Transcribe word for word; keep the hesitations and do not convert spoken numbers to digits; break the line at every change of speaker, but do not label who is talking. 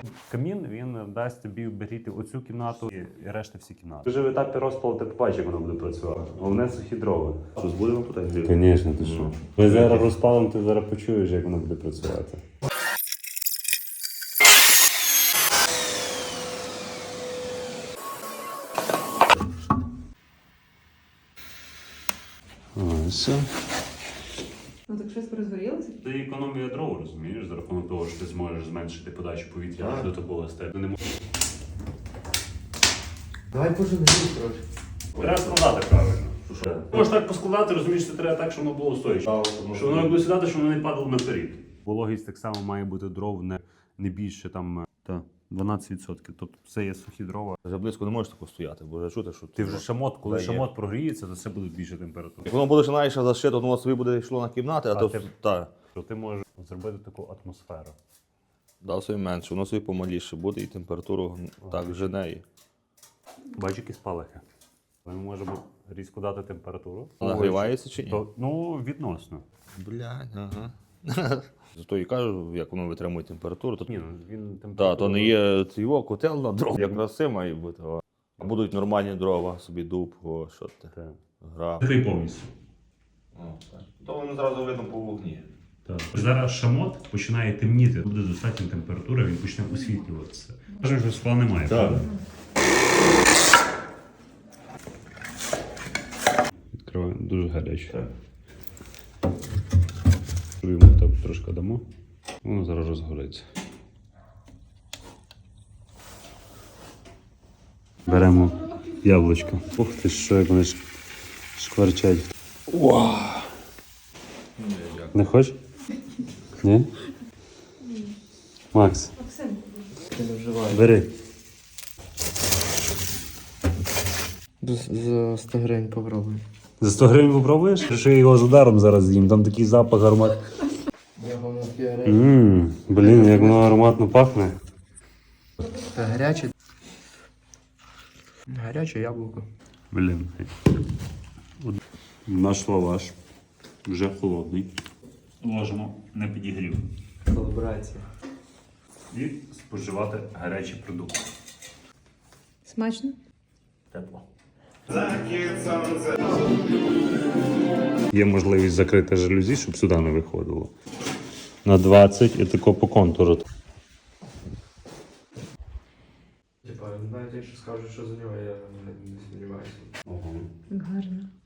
Камін, він дасть тобі обігріти оцю кімнату і решта всі кімнати. Вже в етапі розпалу ти побачиш, як воно буде працювати. Головне сухі дрова.
Щось будемо тут гріти?
Звісно, ти що. Ми зараз розпалимо, ти зараз почуєш, як воно буде працювати. Ось.
Ну так щось розгорілося?
Ти економія дров, розумієш, за рахунок того, що ти зможеш зменшити подачу повітря аж до такого степу. Не можеш.
Давай поживемо трошки.
Треба складати правильно. Можеш так поскладати, розумієш, це треба так, щоб воно було стояче. Щоб воно буде сідати, щоб воно не падало наперед. Вологість так само має бути дров не, не більше там, та, дванадцять відсотків. Тобто це є сухі дрова.
Вже близько не можеш тако стояти, бо вже чути, що
Ти вже шамот, коли
Та є.
шамот прогріється, то це буде більше температура.
Як воно буде ще навіть зашито, воно собі буде йшло на кімнати, а,
А
то
ти-
та,
То ти можеш зробити таку атмосферу.
дав собі менше, воно собі помаліше буде і температуру так жене. і-
Бачиш, які спалахи. Ми можемо різко дати температуру.
Нагрівається чи ні?
То, ну, відносно.
Блядь, ага. Зато і кажу, як воно витримує температуру, то
Ні, ну, він температуру...
та, то не є його котел на дрова, як краси має бути. о. А будуть нормальні дрова, собі дуб, о, що ти,
Так.
гра.
Закрий повністю.
То воно зразу видно по вогні.
Так. Зараз шамот починає темніти, буде достатня температура, він почне освітлюватися. Кажемо, що скла немає, правда? Відкриваємо, дуже гаряче. Йому так трошки дамо, воно зараз розгориться. Беремо яблучко. Ух ти, що як вони шкварчать.
Вау!
Не хочеш? Ні? Макс,
Максим.
Ти не вживаєш.
бери.
За сто гривень попробуй.
За сто гривень попробуєш? Що я його з ударом зараз з'їм, там такий запах аромат.
Я вам на фіаре.
Ммм, блін, як воно ароматно пахне.
Це гаряче. Гаряче яблуко.
Блін. Наш лаваш вже холодний. Ложимо на підігрів.
Колаборація.
І споживати гарячі продукти.
Смачно?
Тепло. Є можливість закрити жалюзі, щоб сюди не виходило. На двадцять і тако по контуру.
Типа, навіть якщо скажуть, що за нього, я не, не сподіваюся.
Ого.
Гарно.